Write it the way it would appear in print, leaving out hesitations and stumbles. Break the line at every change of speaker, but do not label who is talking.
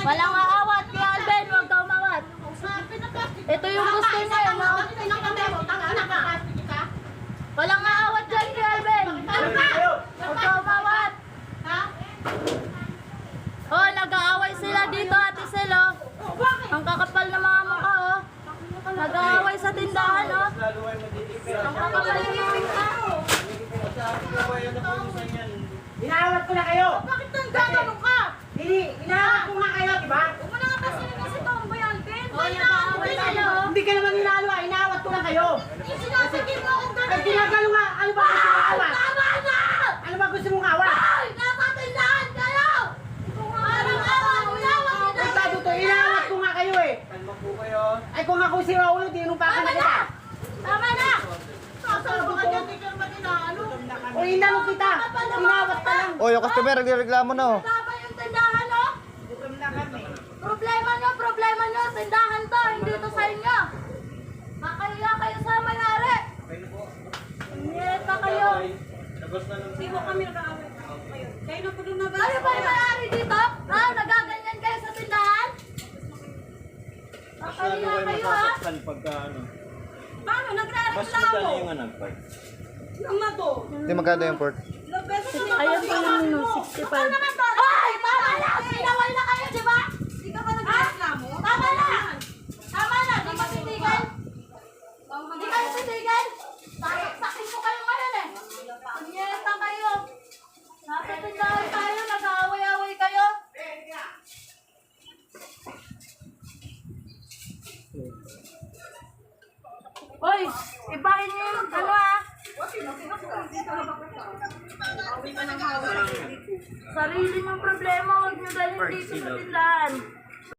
Walang aawat, Kuya Alvin, huwag ka umawat. Ito yung gusto niya, no? Walang aawat dyan, Kuya Alvin. Huwag ka umawat. Oh, nag-aaway sila dito, Ate Sel, oh. Ang kakapal na mga mukha, oh. Nag-aaway sa tindahan, oh. Ang kakapal na mga mukha, oh.
Inaawat ko na kayo!
Bakit nang ka?
Inaawat ko nga kayo, diba?
Huwag mo na nga kasi naman si Tomboy Alvin. Oh, nag-aaway sila, oh.
Hindi ka naman inaalo, inaawat ko na kayo!
Yung sinasabi mo akong
Ay,
gano'n.
ginagalo nga! Ano ba gusto mong awat?
Tama na!
Ano ba gusto mong awat?
Ay! Napatindahan kayo! Parang awat, inawat
Ay,
nila.
sabi to, inaawat ko nga kayo eh!
Kalma po kayo.
Ay, kung ako si Raulo, tinumpa ka
Tama
na
na!
kita!
Tama na! Sasalbo ka dyan, di ka naman inaano.
O, inalo kita! Inawat ka lang!
Oh, yung customer, nagreklamo na oh.
Tama yung tindahan, oh. Problema nyo, tindahan to, hindi to sa inyo. Makaya kayo sa mayari. Nyeta kayo.
Hindi mo kami nag-aaway kayo. Kayo na po lumabas.
Kayo ba yung mayari dito? Ha? Nagaganyan kayo sa tindahan? Makaya kayo, ha?
Pagka ano.
Paano?
Mas
Nagre-reklamo.
magkano yung anak pa?
Yung na to.
Hindi magkano yung port?
Ilang beses na
Ayun pa yung
mo.
65. Ay! Tama na! Sinaway na kayo, di ba?
Hindi ka ba nagre-reklamo?
Tama na! Tama na! Di ka titigil? Di kayo titigil? Sakit ko kayo ngayon eh. Nyeta kayo. Nasa tindahan tayo, nag-aaway-aaway kayo. Hoy! Ibahin niyo yung ano ah. Sarili mong problema, huwag niyo dalhin dito sa tindahan.